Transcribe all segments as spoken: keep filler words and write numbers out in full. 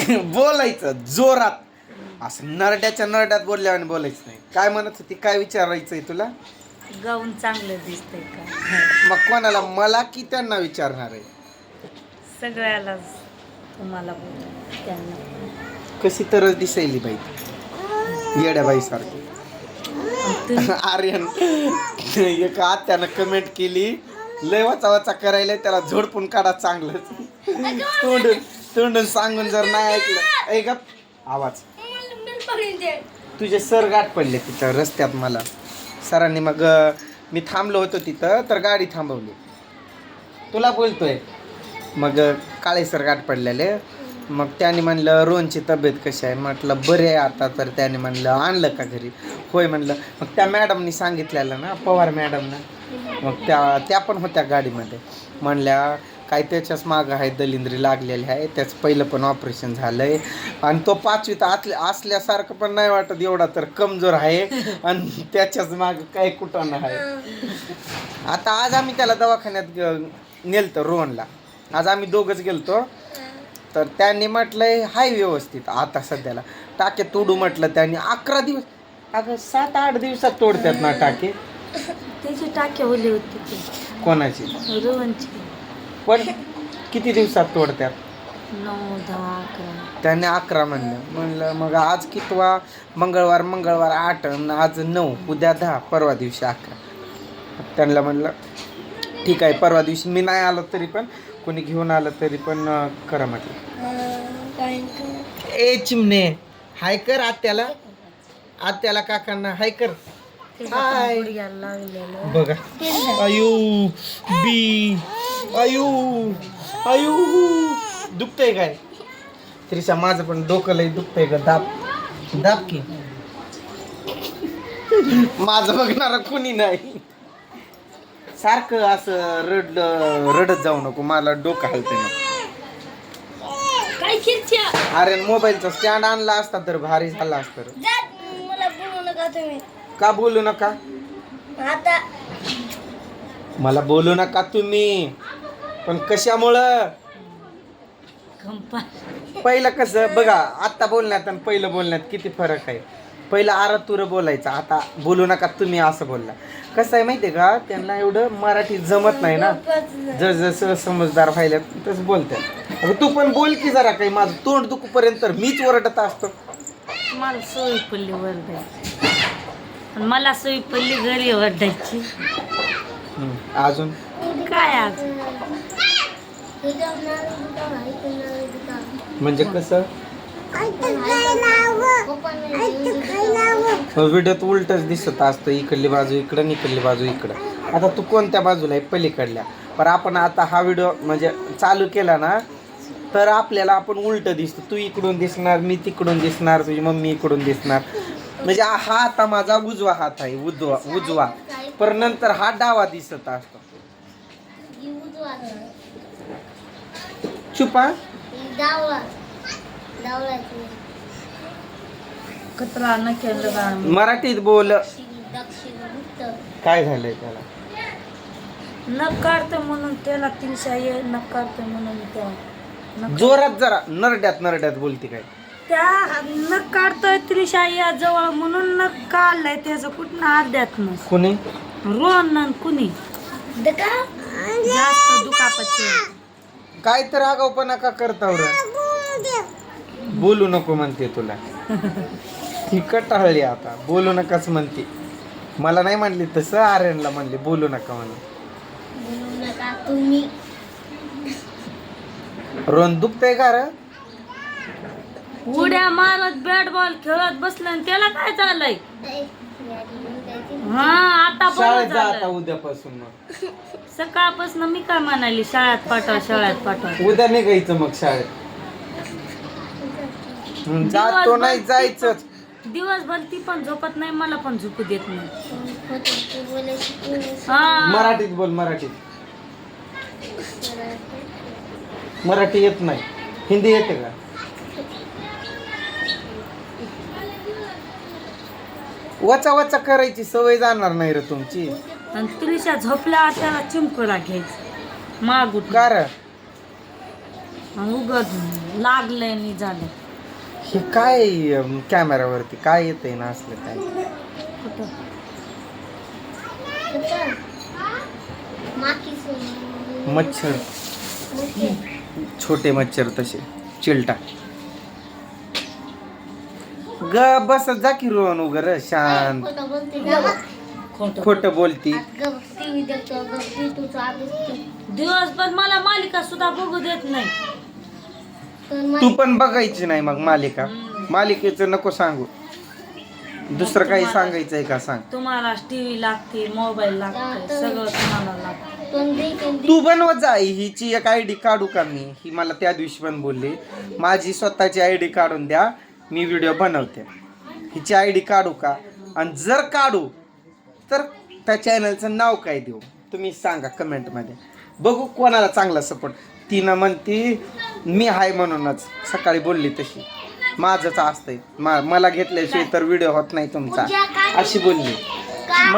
बोलायचं जोरात, असं नरड्याच्या नरड्यात बोलल्यावर बोलायचं नाही. काय म्हणत होती, काय विचारायचंय तुला? गाऊन चांगलं दिसतंय का? मग कोणाला, मला की त्यांना विचारणार आहे? सगळ्यालाच तुम्हाला बोल, त्यांना. कशी तरच दिसायली बाई, येड्या बाई सारखी. आर्यन एक आत्यानं कमेंट केली, लय वाचा वाचा करायला, त्याला झोडपून काढा चांगलंच. तोंडून तोंडून सांगून जर नाही ऐकलं, ऐक आवाज. तुझे सर गाठ पडले तिथं रस्त्यात मला सरांनी. मग मी थांबलो होतो तिथं, तर गाडी थांबवली. तुला बोलतोय. मग काळे सर गाठ पडलेले. मग त्याने म्हणलं रोहनची तब्येत कशी आहे, म्हटलं बरे आहे आता. तर त्याने म्हणलं आणलं का घरी? होय म्हणलं. मग त्या मॅडमनी सांगितलेलं ना, पवार मॅडमनं, मग त्या त्या पण होत्या गाडीमध्ये. म्हणल्या काय त्याच्याच मागं आहे, दलिंद्री लागलेली आहे, त्याचं पहिलं पण ऑपरेशन झालं आहे, आणि तो पाचवीत आतल्या असल्यासारखं पण नाही वाटत एवढा, तर कमजोर आहे, आणि त्याच्याच मागं काय कुठं आहे. आता आज आम्ही त्याला दवाखान्यात नेलतो रोहनला. आज आम्ही दोघंच गेलतो. तर त्यांनी म्हटलंय हाय व्यवस्थित आता सध्याला. टाके तोडू म्हटलं त्यांनी. अकरा दिवस अगं सात आठ दिवसात तोडतात ना टाके. त्याची टाके ओले होते ते. कोणाची? रोहनची. पण किती दिवसात तोडतात? नऊ दहा अकरा. त्याने अकरा म्हणलं. म्हणलं मग आज कितवा? मंगळवार. मंगळवार आठ, आज नऊ, उद्या दहा, परवा दिवशी अकरा. त्यांना म्हणलं ठीक आहे, परवा दिवशी मी नाही आलो तरी पण कोणी घेऊन आलं तरी पण करा म्हटलं. ए चिमणे, हाय कर आत्याला, आत्याला काकांना हाय कर. हाय बघा. आयु बी आयु आयु दुखतंय काय? त्रिशा माझं पण डोकं लय दुखतंय ग. दाब दाब की. माझं बघणार कोणी नाही. सारखं असं रड रडत जाऊ नको, मला डोकं हलतंय ना. अरे मोबाईलचा स्टँड आणला असता तर भारी झाला असतं. मला बोलू नका तुम्ही. का बोलू नका? आता मला बोलू नका तुम्ही, पण कशामुळं? पहिलं कसं बघा, आत्ता बोलण्यात आणि पहिलं बोलण्यात किती फरक आहे. पहिलं आरा तुर बोलायचं, आता बोलू नका तुम्ही असं बोलला. कसं आहे माहिती आहे का, त्यांना एवढं मराठी जमत नाही ना. जर जसं समजदार व्हायला तसं बोलतात. अगं तू पण बोल की जरा काही. माझं तोंड दुखपर्यंत तर मीच ओरडत असतो. मला सोयी पडली वरडायची, मला सोयी पडली घरी वरडायची. अजून काय आज म्हणजे कसं व्हिडिओत उलटच दिसत असतं, इकडली बाजू इकडं, इकडली बाजू इकडं. आता तू कोणत्या बाजूला आहे? पलीकडल्या. पण आपण आता हा व्हिडिओ म्हणजे चालू केला ना, तर आपल्याला आपण उलट दिसतो. तू इकडून दिसणार, मी तिकडून दिसणार, तुझी मम्मी इकडून दिसणार. म्हणजे हा आता माझा उजवा हात आहे, उजवा उजवा पर नंतर हा डावा दिसत असतो. चुपा कचरा न केलं. मराठीत बोल. काय झालंय त्याला? नख काढतोय म्हणून त्याला तीनशे ये, नख काढतोय म्हणून त्या जोरात जरा नरड्यात नरड्यात बोलते काय? त्या नख काढतोय त्रिशा या जवळ म्हणून नख काढलाय त्याचं. कुठं अर्ध्यात न कोणी? रोहन कुणी जास्त दुखापत. काय तर आगाऊपणा का करता रे? बोलू नको म्हणते तुला. ती कटाळली आता, बोलू नकाच म्हणते. मला नाही म्हणली तसं, आर्यनला म्हणली बोलू नका म्हणून. तुम्ही रोहन दुखतंय का रे? उड्या मारत बॅट बॉल खेळत बसलं आणि त्याला काय झालंय? हा आता शाळेत बरं जा आता झालं. उद्यापासून. मग सकाळपासून मी काय म्हणाली, शाळेत पाठवा शाळेत पाठवा. उद्या निघायचं मग शाळेत. जातो नाही जायचंच. दिवसभर ती पण झोपत नाही, मला पण झोपू देत नाही. हा मराठीत बोल. मराठीत मराठी येत नाही, हिंदी येते का? वचा वचा करायची सवय जाणार नाही रे तुमची. आणि त्रिशा झोपल्यावर त्याला चिमकोला घ्यायचं मागून. का रे? उगत लागलंय मी झालं. हे काय अं, कॅमेऱ्यावरती काय येतंय ना असलं काय? कुठं मच्छर, छोटे मच्छर तसे चिलटा. ग बस जा की रोहन उगर शांत. खोटं खोट बोलती. दिवसभर मला मालिका सुद्धा बघू देत नाही. तू पण बघायची नाही मग मालिका. मालिकेचं नको सांगू. दुसरं काही सांगायचंय का सांग. तुम्हाला टीव्ही लागते, मोबाईल लागते, सगळं तुम्हाला लागतं. तू बनवत जा. हिची एक आय डी काढू का मी? ही मला त्या दिवशी पण बोलली माझी स्वतःची आय डी काढून द्या, मी व्हिडिओ बनवते. हिची आय डी काढू का? आणि जर काढू तर त्या चॅनलचं नाव काय देऊ तुम्ही सांगा कमेंटमध्ये. बघू कोणाला चांगला सपोर्ट. तिनं म्हणती मी हाय म्हणूनच सकाळी बोलली तशी. माझंच असतंय, मा मला घेतल्याशिवाय तर व्हिडिओ होत नाही तुमचा अशी बोलली. मग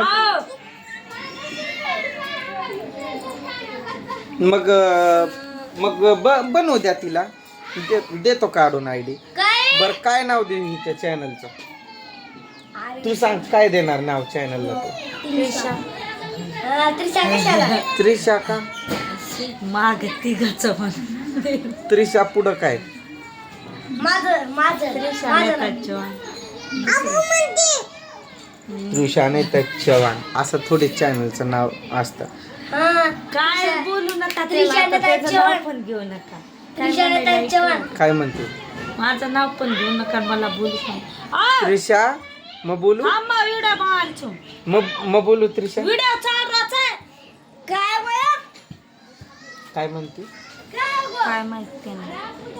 मग मग ब बनवू द्या तिला. दे, देतो काढून आय डी. बरं काय नाव देऊ हिच्या चॅनलचं? तू सांग काय देणार नाव चॅनलला? तू त्रिशा. त्रिशा का? माग तिघाचं पण त्रिशा पुढं काय? माझं माझं त्रिशा माझं नेता चव्हाण. त्रिशा नाही तर चव्हाण असं थोडे चॅनलचं नाव असतं. हा. काय बोलू नका त्रिशा त्याला, नेता त्याचं चव्हाण. नाव पण घेऊ नका. काय त्रिशा नेता म्हणायला चव्हाण. ऐकलं? काय म्हणते? माझं नाव पण घेऊ नका, मला बोलू नका. त्रिशा मग बोलू आम्हा व्हिडिओ मारचो, मग मग बोलू त्रिशा. व्हिडिओ चाललाच आहे. काय बरं? काय म्हणते? काय माहिती नाही.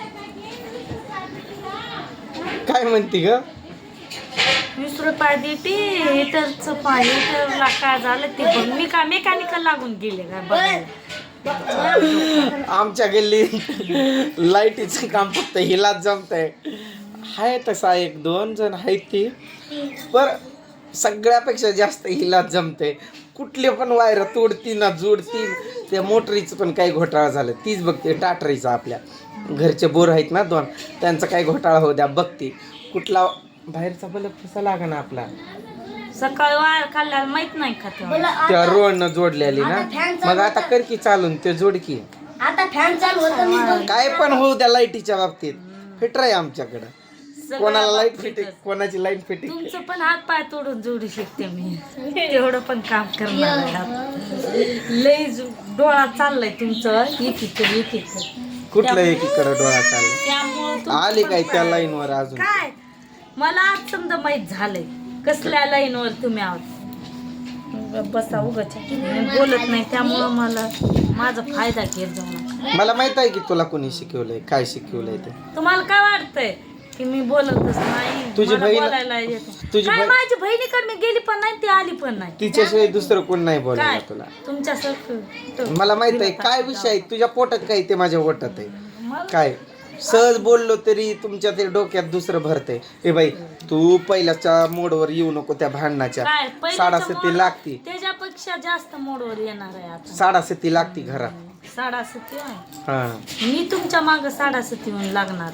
काय म्हणते ग? वीस रुपये देते हिटरचं पाय. हिटरला काय झालं ते बघ. मी काय मेकॅनिकल लागून गेले काय बघायला. आमच्या गल्ली लाईटीचं काम फक्त हिलाच जमतंय. आहे तसा एक दोन जण आहेत ती, पर सगळ्यापेक्षा जास्त हिलाच जमते. कुठले पण वायर तोडती ना जोडती. त्या मोटरीचं पण काही घोटाळा झालं तीच बघते. टाटरीचा आपल्या घरचे बोर आहेत ना दोन, त्यांचा काही घोटाळा होऊ द्या बघते. कुठला बाहेरचा बल्ब कसा लागा ना आपला. सकाळी वायर खाल्ल्याला माहित नाही का तेव्हा. त्या रोडनं जोडलेली ना. मग आता कर की चालून ते जोड की. आता फॅन चालू होतं मी बघ. काय पण होऊ द्या लाईटीच्या बाबतीत फिटर आहे आमच्याकडं. सगळ्या कोणाला लाईट बाबतीतच. फिटिंग, कोणाची लाईट फिटिंग. तुमचं पण हात पाय तोडून जोडू शकते मी. तेवढं पण काम करणार आहे आता. लय जो- डोळा चाललाय तुमचं एकीकडे एकीकडे. कुठलं एकीकडे डोळा चालला? त्यामुळं तुमचं आली पण काय त्या पाय- लाईनवर अजून? काय मला आज समजा माहित झालंय कसल्या लाईनवर तुम्ही आहात. बसा उगाच मी बोलत नाही त्यामुळं मला माझा फायदा घेत जाऊ नका. मला माहित आहे की तुला कोणी शिकवलंय, काय शिकवलंय ते. तुम्हाला काय वाटतंय की मी बोलतच नाही? तुझी मला बहीण- बोलायला येतं. तुझी काय बहीण- माझी बहिणीकडे मी गेली पण नाही ती आली पण नाही. तिच्याशिवाय दुसरं कोण नाही काय बोलायला तुला. तुमच्यासारखं मला माहित आहे काय विषय आहे. तुझ्या पोटात काय ते माझ्या पोटात आहे. मला काय सहज बोललो तरी तुमच्या ते डोक्यात दुसरं भरते. ए बाई तू पहिल्याच्या मोडवर येऊ नको त्या भांडणाच्या. काय पहिल्याच्या साडासती मोड- लागती. त्याच्यापेक्षा जास्त मोडवर येणार आहे आता. साडासती लागती घरात. साडासती आहे. हा मी तुमच्या माग साडासती होऊन लागणार.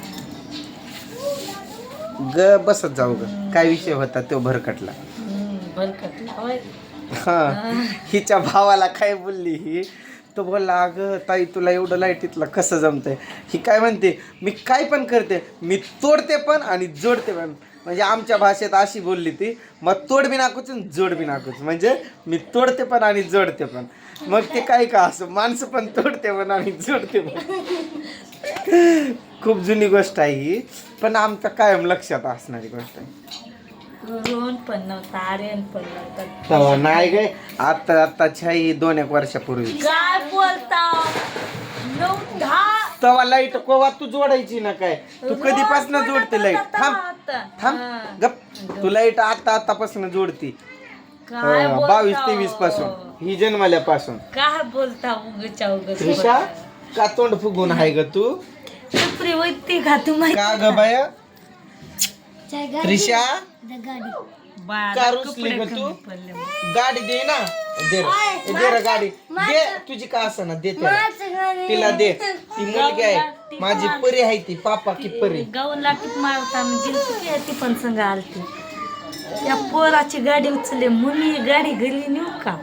ग बसत जाऊ ग. काय विषय होता तो भरकटला. भरकटला होय. हा हिच्या भावाला काय बोलली ही, तो बोलला अगं ताई तुला एवढं लाईटीतलं कसं जमतंय. ही काय म्हणते मी काय पण करते, मी तोडते पण आणि जोडते पण. म्हणजे आमच्या भाषेत अशी बोलली ती. मग तोड बी नाकूच आणि जोड बी नाकूच. म्हणजे मी तोडते पण आणि जोडते पण. मग ते काय का असं माणसं पण तोडते पण आणि जोडते पण. खूप जुनी गोष्ट आहे ही, पण आमच्या कायम लक्षात असणारी गोष्ट आहे. रोहन पण नव्हता, आर्यन पण नव्हता. तेव्हा नाही गे आता आत्ताच्या ही दोन एक वर्षापूर्वी. काय बोलता नऊ दहा तेव्हा लाईट कोवा तू जोडायची ना काय. तू कधीपासून रोज जोडते पण लाईट? आता थांब आता. थांब हा. गप. तू लाईट आता आतापासून जोडती. काय बोलता बावीस हो? तेवीस पासून ही जन्मल्यापासून. काय बोलता उगच्या उगच त्रिशा का तोंड फुगून आहे ग तू? सुप्री वैती का तू माहिती का ग बाया? गाडी त्रिशा गाडी बाळाला का कपडे रुसली ग तू? कमी पडले. गाडी दे ना दे रे. ओय, ए, दे रे गाडी माझं- दे तुझी का असं ना दे त्याला. माझं गाणं. तिला दे ती मुलगी आहे माझी परी आहे ती पापा की परी. गाऊनला टिप मारताना गेलती की ती पण संग आलती. त्या पोराची गाडी उचलली मम्मी गाडी घरी नेऊ का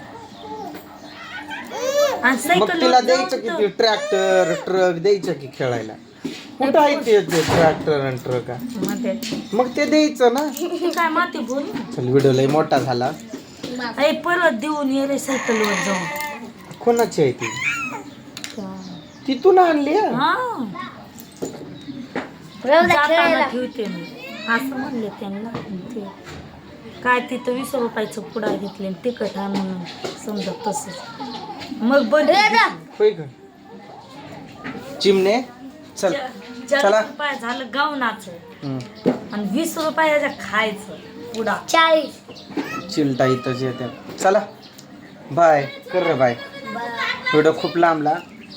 आणि मग सायकल तिला द्यायचं की ते ट्रॅक्टर ट्रक द्यायचं की खेळायला. कुठं आहे ते ट्रॅक्टर आणि ट्रक मध्ये मग ते द्यायचं ना. काय माती बोल चल व्हिडिओ लय मोठा झाला. अरे परत देऊन ये रे सायकलवर जाऊन. कोणाची आहे ती तिथून आणली हा? हा राहू द्या जाताना खेळायला. ठेवते मी असं म्हणले त्यांना. ते काय तिथं वीस रुपयाचं पुडा घेतले आणि तिखट आहे म्हणून समजा तसंच मग बंद होय का चिमणे चल चला. चाळीस रुपये झालं गावनाचं हम्म. आणि वीस रुपयाचं खायचं पुडा. चाळीस. चिलटा इथंच येते. चला बाय कर रे बाय. व्हिडिओ खूप लांबला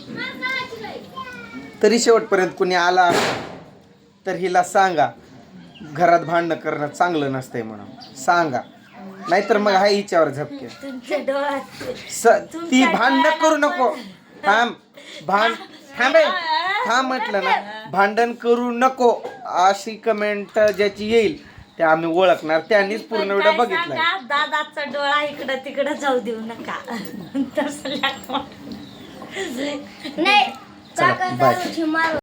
तरी शेवटपर्यंत कुणी आला तर हिला सांगा घरात भांडणं करणं चांगलं नसतंय म्हणून सांगा. नाहीतर मग हा हिच्यावर झपके. तुमच्या डोळ्यात स- ती भांडण करू नको. थांब भांड थांबे थांब म्हटलं ना. भांडण करू नको अशी कमेंट ज्याची येईल ते आम्ही ओळखणार. त्यांनीच पूर्ण व्हिडिओ काय बघितलाय. सांगा, दादाचा डोळा इकडं तिकडं जाऊ देऊ नका. तसं नाही चला, काका बाय. दारूची मारू